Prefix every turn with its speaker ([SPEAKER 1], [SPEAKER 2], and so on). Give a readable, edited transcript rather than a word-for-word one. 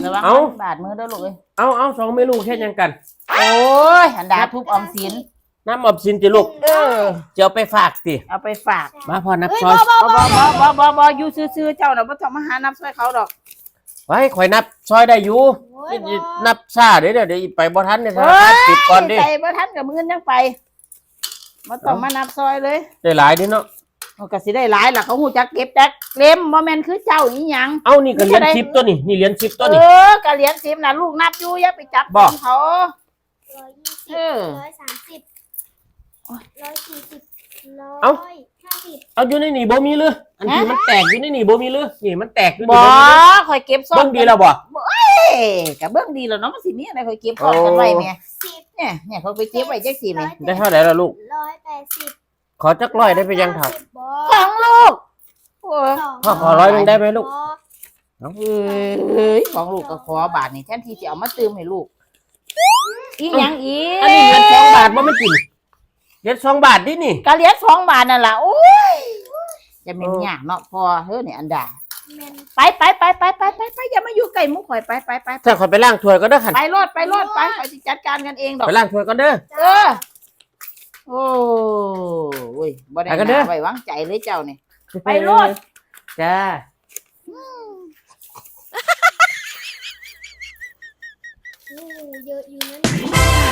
[SPEAKER 1] ระวังบาดมือเด้อลูกเอ้ย
[SPEAKER 2] เอาสองเมนูแค่ยังกัน
[SPEAKER 1] โอ้ยอันดาทุบออมสิน
[SPEAKER 2] น้ำออมสินจิลูกจะเอาไปฝากสิ
[SPEAKER 1] เอาไปฝาก
[SPEAKER 2] มาพอนับซอย
[SPEAKER 1] บ่อยู่ซื่อๆเจ้าน่ะบ่ต้องมาหานับซอยเขาดอก
[SPEAKER 2] ไว้ข่อยนับซอยได้อยู่นับซ่าเดี๋ยวไปบ่ทันเนี่ยปิดก่อนดิ
[SPEAKER 1] ไปบ่ทันกับมื้อยังไปบ่ต้องมานับซอยเลย
[SPEAKER 2] ได้หลายดิเนาะ
[SPEAKER 1] ก็สิได้หลายล่ะเขาฮู้จักเก็บจักเล่มบ่แม่นคือเจ้าอีหยัง
[SPEAKER 2] นี่ก็เหรียญ10ตัวนี่เหรียญ10ตัวนี่
[SPEAKER 1] ก็เหรียญ10น่ะลูกนับอยู่อย่าไปจับเขา
[SPEAKER 2] เอาอยู่ในนี่บ่มีเลยอันที่มันแตกอยู่ในนี่บ่มีเลยนี่มันแตกอยู่
[SPEAKER 1] บ่ข่อยเก็บซ่อน
[SPEAKER 2] เบิ่งดีแล้วบ่
[SPEAKER 1] ก็เบิ่งดีแล้วเนาะมันสิมีอะไรข่อยเก็บซ่อนกันไว้แม่เนี่ยเขาไปเก็บไว้จักสิแม่
[SPEAKER 2] ได้เท่าไหร่ล่ะลูก
[SPEAKER 3] 180
[SPEAKER 2] ขอจัก100ได้ไปยังครับ
[SPEAKER 1] ของลูก
[SPEAKER 2] พ่อขอ100นึงได้ไหมลูก
[SPEAKER 1] ของลูกก็ขอบาทนี่แทนที่จะเอามาเติมให้ลูกอีหยังอี
[SPEAKER 2] อันนี้เหรียญ2 บาทบ่มันกินเหรียญ2 บาทดินี่
[SPEAKER 1] ก็เหรียญ2 บาทนั่นล่ะโอ้ยจะเป็นยากเนาะพอเฮ้อนี่อันดาไปอย่ามาอยู่ใกล้มุกข่อยไป
[SPEAKER 2] ถ้าข่อยไปล้างถ้วยก็เด้อคั่น
[SPEAKER 1] ไปรอดข่อยสิจัดการกันเองดอก
[SPEAKER 2] ไปล้างถ้วยก็เด้อ
[SPEAKER 1] โอ้ยบ่ได้น่าไว้วางใจเลยเจ้านี่ไปรอด
[SPEAKER 2] จ้า
[SPEAKER 3] เยอะอยู่นั่น